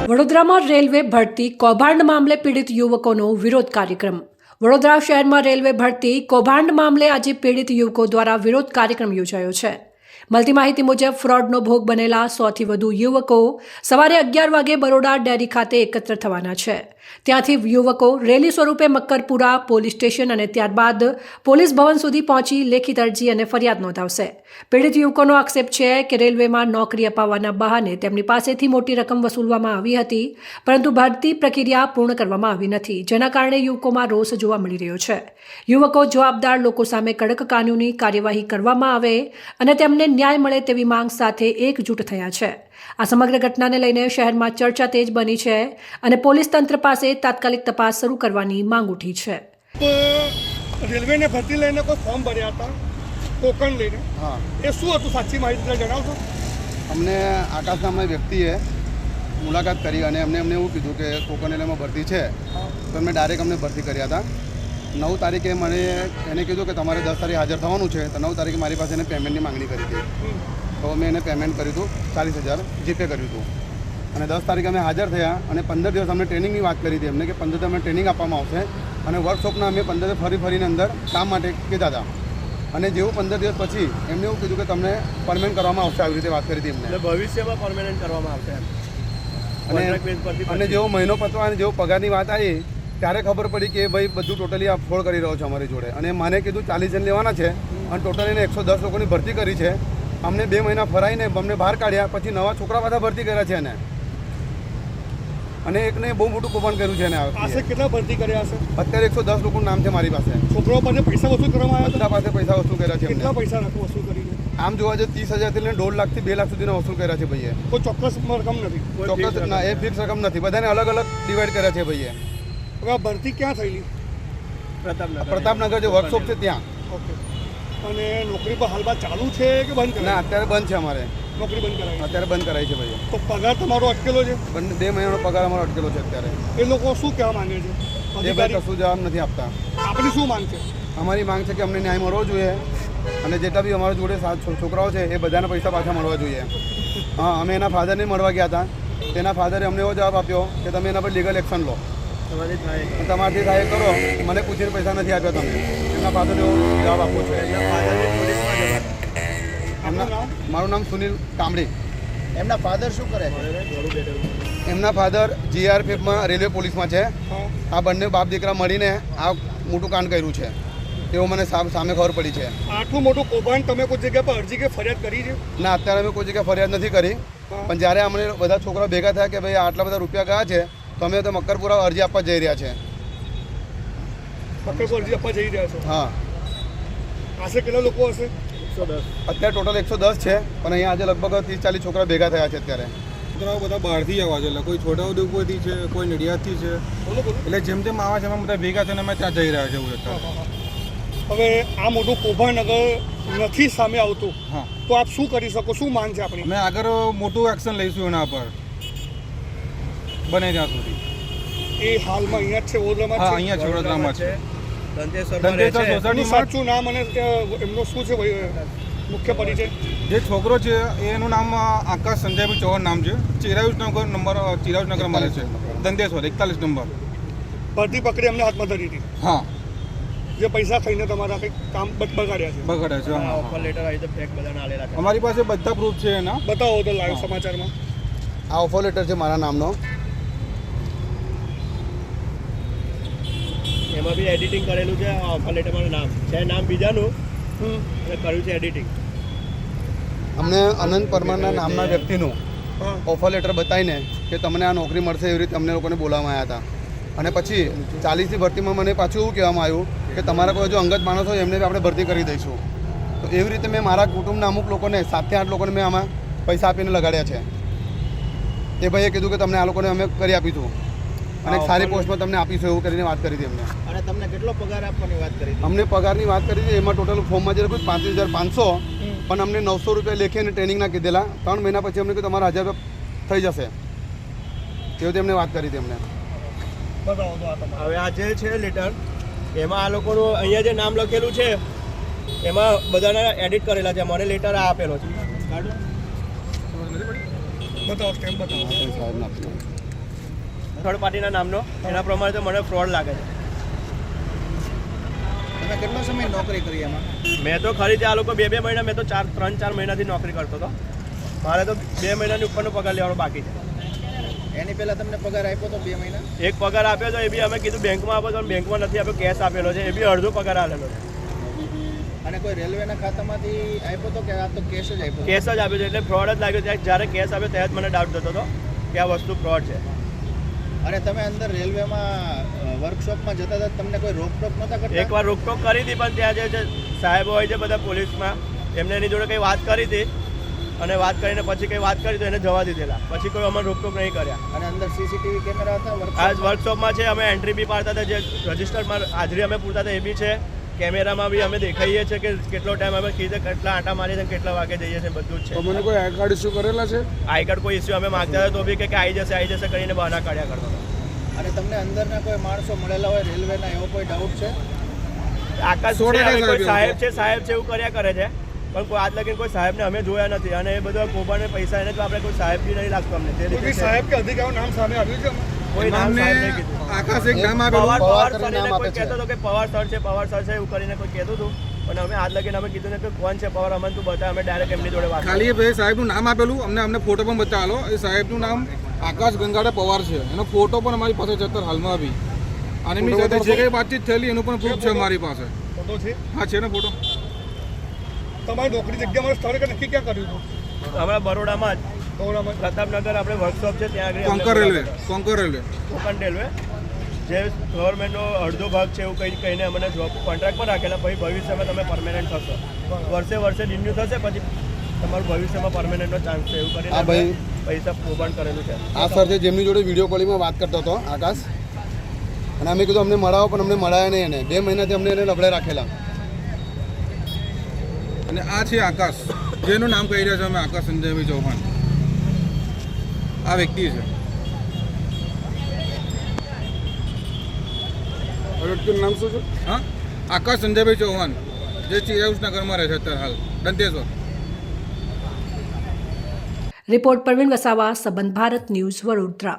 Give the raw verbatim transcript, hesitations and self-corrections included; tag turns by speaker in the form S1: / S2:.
S1: વડોદરામાં રેલવે ભરતી કૌભાંડ મામલે પીડિત યુવકોનો વિરોધ કાર્યક્રમ. વડોદરા શહેરમાં રેલવે ભરતી કૌભાંડ મામલે આજે પીડિત યુવકો દ્વારા વિરોધ કાર્યક્રમ યોજાયો છે. મળતી માહિતી મુજબ ફ્રોડનો ભોગ બનેલા સોથી વધુ યુવકો સવારે અગિયાર વાગે બરોડા ડેરી ખાતે એકત્ર થવાના છે. ત્યાંથી યુવકો રેલી સ્વરૂપે મક્કરપુરા પોલીસ સ્ટેશન અને ત્યારબાદ પોલીસ ભવન સુધી પહોંચી લેખિત અરજી અને ફરિયાદ નોંધાવશે. પીડિત યુવકોનો આક્ષેપ છે કે રેલવેમાં નોકરી અપાવવાના બહાને તેમની પાસેથી મોટી રકમ વસૂલવામાં આવી હતી, પરંતુ ભરતી પ્રક્રિયા પૂર્ણ કરવામાં આવી નથી, જેના કારણે યુવકોમાં રોષ જોવા મળી રહ્યો છે. યુવકો જવાબદાર લોકો સામે કડક કાનૂની કાર્યવાહી કરવામાં આવે અને તેમને ન્યાય મળે તેવી માંગ સાથે એકજૂટ થયા છે. આ સમગ્ર ઘટનાને લઈને શહેરમાં ચર્ચા તેજ બની છે અને પોલીસ તંત્ર પાસે તાત્કાલિક તપાસ શરૂ કરવાની માંગ ઉઠી છે.
S2: રેલવેને ભરતી લઈને કોઈ ફોર્મ ભર્યા હતા કોકણ લઈને, હા, એ શું હતું સાચી માહિતી જણાવશો?
S3: અમને આકાશ નામના વ્યક્તિએ મુલાકાત કરી અને અમને અમને એવું કીધું કે કોકણ રેલવેમાં ભરતી છે, તો અમને ડાયરેક્ટ અમને ભરતી કર્યા હતા. નવ તારીખે મને એને કીધું કે તમારે દસ તારીખે હાજર થવાનું છે, તો નવ તારીખે મારી પાસે એને પેમેન્ટની માંગણી કરી હતી. તો મેં એને પેમેન્ટ કર્યું હતું, ચાલીસ હજાર જીપે કર્યું હતું. અને દસ તારીખે અમે હાજર થયા અને પંદર દિવસ અમને ટ્રેનિંગની વાત કરી હતી એમને કે પંદર દિવસ અમને ટ્રેનિંગ આપવામાં આવશે અને વર્કશોપના અમે પંદર ફરી ફરીને અંદર કામ માટે કીધા હતા. અને જેવું પંદર દિવસ પછી એમને એવું કીધું કે તમને પરમેનન્ટ કરવામાં આવશે, આવી રીતે વાત કરી હતી એમને.
S2: ભવિષ્યમાં પરમેનન્ટ કરવામાં આવશે.
S3: અને અને જેવો મહિનો પતવા અને જેવો પગારની વાત આવી ત્યારે ખબર પડી કે ભાઈ બધું ટોટલી આ ફ્રોડ કરી રહ્યો છે અમારી જોડે. અને મને કીધું ચાલીસ જણ લેવાના છે અને ટોટલ એને એકસો દસ લોકોની ભરતી કરી છે. અમને બે મહિના ફરાઈને અમને બહાર કાઢ્યા, પછી નવા છોકરા બધા ભરતી કર્યા છે એને. અને એકને બહુ મોટું કૌભાંડ કર્યું છે એને.
S2: પાસે કેટલા ભરતી કર્યા હશે?
S3: અત્યારે એકસો દસ લોકોનું નામ છે મારી પાસે.
S2: છોકરાઓ પાસે પૈસા વસૂલ કરવામાં આવ્યા?
S3: બધા પાસે પૈસા વસૂલ કર્યા છે.
S2: કેટલા પૈસા રાખો વસૂલ કરીને?
S3: આમ જોવા જઈએ ત્રીસ હજારથી લઈને દોઢ લાખથી બે લાખ સુધીના વસૂલ કર્યા છે ભાઈએ.
S2: કોઈ ચોક્કસ રકમ નથી?
S3: ચોક્કસ ના, એ ફિક્સ રકમ નથી, બધાને અલગ અલગ ડિવાઈડ કર્યા છે ભાઈએ.
S2: હવે આ ભરતી ક્યાં થયેલી?
S3: પ્રતાપનગર. પ્રતાપનગર જે વર્કશોપ છે ત્યાં.
S2: ઓકે. અને નોકરી પર હાલમાં ચાલુ છે કે બંધ કરાવી?
S3: ના, અત્યારે બંધ છે અમારે.
S2: નોકરી બંધ કરાવી?
S3: અત્યારે બંધ કરાવી છે ભાઈ.
S2: તો પગાર તમારો અટકેલો છે?
S3: બે મહિનાનો પગાર અમારો અટકેલો છે અત્યારે.
S2: એ લોકો શું કહેવા માંગે છે?
S3: એ ભાઈ કશું જવાબ નથી આપતા.
S2: આપણી શું માંગ છે?
S3: અમારી માંગ છે કે અમને ન્યાય મળવો જોઈએ અને જેટલા બી અમારા જોડે સાત છોકરાઓ છે એ બધાના પૈસા પાછા મળવા જોઈએ. હા, અમે એના ફાધરને મળવા ગયા હતા. તેના ફાધરે અમને એવો જવાબ આપ્યો કે તમે એના પર લીગલ એક્શન લો, તમારાથી થાય કરો. મને પૂછીને પૈસા નથી આપ્યા તમે. એમના ફાધરે એવો જવાબ આપવો છે. એમના મારું નામ સુનિલ કામડી.
S4: એમના ફાધર શું કરે છે?
S3: એમના ફાધર જીઆરપીએફમાં રેલવે પોલીસમાં છે. આ બંને બાપ દીકરા મળીને આ મોટું કાંડ કર્યું છે એવું મને સામે ખબર પડી છે.
S2: આટલું મોટું કૌભાંડ તમે કોઈ જગ્યા પર અરજી કે ફરિયાદ કરી છે?
S3: ના, અત્યારે અમે કોઈ જગ્યાએ ફરિયાદ નથી કરી, પણ જ્યારે અમને બધા છોકરા ભેગા થયા કે ભાઈ આટલા બધા રૂપિયા ગયા છે તો અમે તો મક્કરપુરા અરજી આપવા જઈ રહ્યા છે.
S2: મક્કરપુરા અરજી આપવા જઈ રહ્યા છો?
S3: હા.
S2: આશરે કેટલા લોકો હશે?
S3: અત્યારે ટોટલ એકસો દસ છે, પણ અહીંયા આજે લગભગ ત્રીસ ચાલીસ છોકરા ભેગા થયા છે અત્યારે.
S5: છોકરાઓ બધા બહારથી આવવા છે, એટલે કોઈ છોટાઉદેપુરથી છે, કોઈ નડિયાદથી છે, એટલે જેમ જેમ આવા છે એમાં બધા ભેગા થઈને અમે ત્યાં જઈ રહ્યા છે.
S2: હવે આ મોટું કૌભાંડ અગર નથી સામે આવતું,
S5: હા,
S2: તો આપ શું કરી શકો? શું માંગ છે આપણી?
S5: અમે આગળ મોટું એક્શન લઈશું એના પર બને ત્યાં સુધી.
S2: એ હાલમાં અહીંયા જ છે વડોદરામાં?
S5: હા, અહીંયા છે, વડોદરામાં છે.
S2: એમનું સાચું નામ અને એમનો શું છે મુખ્ય પરિચય?
S5: જે છોકરો છે એનું નામ આકાશ સંજયભાઈ ચૌહાણ નામ છે. ચિરાયુષ નગર નંબર ચિરાયુષ નગર મળે છે, દંતેશ્વર એકતાલીસ નંબર.
S2: ભરતી પકડી અમને હાથમાં ધરી હતી?
S5: હા.
S2: જે પૈસા ખાઈને તમારા કંઈક કામ બગાડ્યા છે?
S5: બગાડ્યા છે.
S4: ઓફર લેટર આવી તો ફેક બધાને આલેલા છે.
S5: અમારી પાસે બધા પ્રૂફ છે એના.
S2: બતાવો તો લાઈવ સમાચારમાં.
S3: આ ઓફર લેટર છે મારા નામનો.
S4: એમાં બી એડિટિંગ કરેલું છે. ઓફર લેટરમાં નામ છે, નામ બીજાનું અને કર્યું છે એડિટિંગ.
S3: અમને અનંત પરમારના નામના વ્યક્તિનું ઓફર લેટર બતાવીને કે તમને આ નોકરી મળશે એવી રીતે અમને લોકોને બોલાવવામાં આવ્યા હતા. અને પછી ચાલીસની ભરતીમાં મને પાછું એવું કહેવામાં આવ્યું કે તમારા કોઈ જો અંગત માણસ હોય એમને આપણે ભરતી કરી દઈશું. તો એવી રીતે મેં મારા કુટુંબના અમુક લોકોને સાતથી આઠ લોકોને મેં આમાં પૈસા આપીને લગાડ્યા છે. એ ભાઈએ કીધું કે તમને આ લોકોને અમે કરી આપીશું અને એક સારી પોસ્ટમાં તમને આપીશું એવું કરીને વાત કરી હતી અમને.
S4: અને તમને કેટલો પગાર આપવાની વાત કરી?
S3: અમને પગારની વાત કરી હતી, એમાં ટોટલ ફોર્મમાં જે લખ્યું પાંત્રીસ હજાર પાંચસો, પણ અમને નવસો રૂપિયા લેખીને ટ્રેનિંગના કીધેલા. ત્રણ મહિના પછી અમને કીધું તમારા હજાર રૂપિયા થઈ જશે એવું તેમને વાત કરી હતી અમને.
S4: હવે આ જે છે લેટર, એમાં આ લોકોનું અહીંયા જે નામ લખેલું છે એમાં બધાના એડિટ કરેલા છે. મને લેટર આ આપેલો છે.
S2: બતાવો સ્ટેમ્પ બતાવો.
S4: થર્ડ પાર્ટીના નામનો. એના પ્રમાણે તો મને ફ્રોડ લાગે છે.
S6: તમે કેટલો સમય નોકરી કરી એમાં?
S4: મેં તો ખરી આ લોકો બે બે મહિના મેં તો ચાર ત્રણ ચાર મહિનાથી નોકરી કરતો હતો. મારે તો બે મહિનાની ઉપરનો પગાર લેવાનો બાકી છે.
S6: એની પહેલા તમને પગાર આપ્યો તો બે મહિના?
S4: એક પગાર આપ્યો તો એ બી અમે કીધું બેંકમાં આપ્યો તો બેંકમાં નથી આપ્યો, કેશ આપેલો છે, એ બી અડધો પગાર આવેલો છે.
S6: અને કોઈ રેલવેના ખાતામાંથી આપ્યો તો કે આ તો કેશ જ આપ્યો?
S4: કેશ જ આપ્યો છે. એટલે ફ્રોડ જ લાગ્યો. ત્યાં જ્યારે કેશ આપ્યો ત્યારે જ મને ડાઉટ થતો હતો કે આ વસ્તુ ફ્રોડ છે.
S6: અને તમે અંદર રેલવેમાં વર્કશોપમાં જતા હતા, તમને કોઈ રોકટોક નહોતા કરતા?
S4: એકવાર રોકટોક કરી હતી, પણ ત્યાં જે છે સાહેબો હોય છે બધા પોલીસમાં, એમને એની જોડે કંઈ વાત કરી હતી અને વાત કરીને પછી કંઈ વાત કરી તો એને જવા દીધેલા. પછી કોઈ અમને રોકટોક નહીં કર્યા.
S6: અને અંદર સીસીટીવી કેમેરા હતા
S4: આ
S6: વર્કશોપ?
S4: વર્કશોપમાં છે. અમે એન્ટ્રી બી પાડતા હતા, જે રજિસ્ટરમાં હાજરી અમે પૂરતા હતા એ બી છે. કેમેરામાં બી અમે દેખાઈએ છીએ કે કેટલો ટાઈમ અમે કીધે કેટલા આંટા મારીએ છીએ, કેટલા વાગે જઈએ છીએ, બધું જ છે.
S5: મને કોઈ આઈ કાર્ડ ઇસ્યુ કરેલા છે?
S4: આઈ કાર્ડ કોઈ ઇસ્યુ અમે માગતા હતા તો બી કે આવી જશે આવી જશે કરીને બહાના કાઢ્યા કરતો હતો.
S6: અને તમને અંદરના કોઈ માણસો મળેલા હોય રેલવેના, એવો કોઈ ડાઉટ છે?
S4: આકાશ
S5: સો
S4: છે,
S5: ટકા
S4: હવે કોઈ
S5: સાહેબ
S4: સાહેબ છે સાહેબ છે એવું કર્યા કરે છે, પણ કોઈ આજ લગીને કોઈ સાહેબને અમે જોયા નથી. અને એ બધા કોબાને પૈસા એને તો આપણે કોઈ સાહેબ બી નહીં લાગતું અમને. તે
S2: કોઈ
S4: રીતે
S2: બી
S4: છે.
S2: સાહેબ કે અધિકારીનું નામ સામે આવ્યું છે?
S4: કોઈ નામ
S5: નામને
S4: સાહેબ નહીં કીધું.
S5: આકાશ એક નામ
S4: પવાર
S5: આપેલું.
S4: પવાર
S3: કરીને
S4: કરીને
S3: નામ
S4: કોઈ
S3: આપે છે.
S4: કહેતો હતો કે પવાર સર છે પવાર સર છે એવું કરીને કોઈ કહેતું હતું, પણ અમે આજ લગીને અમે કીધું ને કે કોણ છે પવાર, અમને તું બતા. અમે ડાયરેક્ટ એમની જોડે વાત કરી.
S5: ખાલી એ ભાઈ સાહેબનું નામ આપેલું, અમને અમને ફોટો પણ બતાવેલો. એ સાહેબનું નામ આકાશ ગંગાડા પવાર છે. એનો ફોટો પણ અમારી પાસે છે અત્યારે હાલમાં બી. અને એમની સાથે જે કંઈ વાતચીત થયેલી એનું પણ પ્રૂફ છે અમારી પાસે.
S2: ફોટો છે
S5: હા, છે ને ફોટો.
S2: તમારી નોકરી જગ્યા મારે સ્થળે કે નક્કી ક્યાં કર્યું હતું?
S4: હમણાં બરોડામાં જ
S2: ગૌરામાં
S4: પ્રતાપનગર આપણે વર્કશોપ છે ત્યાં આગળ
S5: Konkan railway Konkan railway
S4: Konkan railway જે ગવર્મેન્ટનો અડધો ભાગ છે એવું કંઈ કહીને અમને જોબ કોન્ટ્રાક્ટ પર રાખેલા. પછી ભવિષ્યમાં તમે પરમેનન્ટ થશો, વર્ષે વર્ષે રિન્યુ થશે, પછી તમારું ભવિષ્યમાં પરમેનન્ટનો ચાન્સ છે એવું કરીને
S3: હા ભાઈ.
S4: અમે પૈસા કૌભાંડ કરેલું છે.
S3: આ સર છે જેમની જોડે વિડીયો કોલિંગમાં વાત કરતો હતો આકાશ, અને અમે કીધું અમને મળાવો, પણ અમને મળાયા નહીં. એને બે મહિનાથી અમને એને લબડે રાખેલા.
S5: અને આ છે આકાશ, જેનું નામ કહી રહ્યા છે અમે, આકાશ સંજયભાઈ ચૌહાણ. આ વ્યક્તિ છે. વ્યક્તિનું નામ શું છે? હા, આકાશ સંજયભાઈ ચૌહાણ, જે ચિરાયુસનગરમાં રહે છે અત્યારે હાલ, દંતેશ્વર.
S1: રિપોર્ટ પરવીન વસાવા, સંબંધ ભારત ન્યૂઝ, વડોદરા.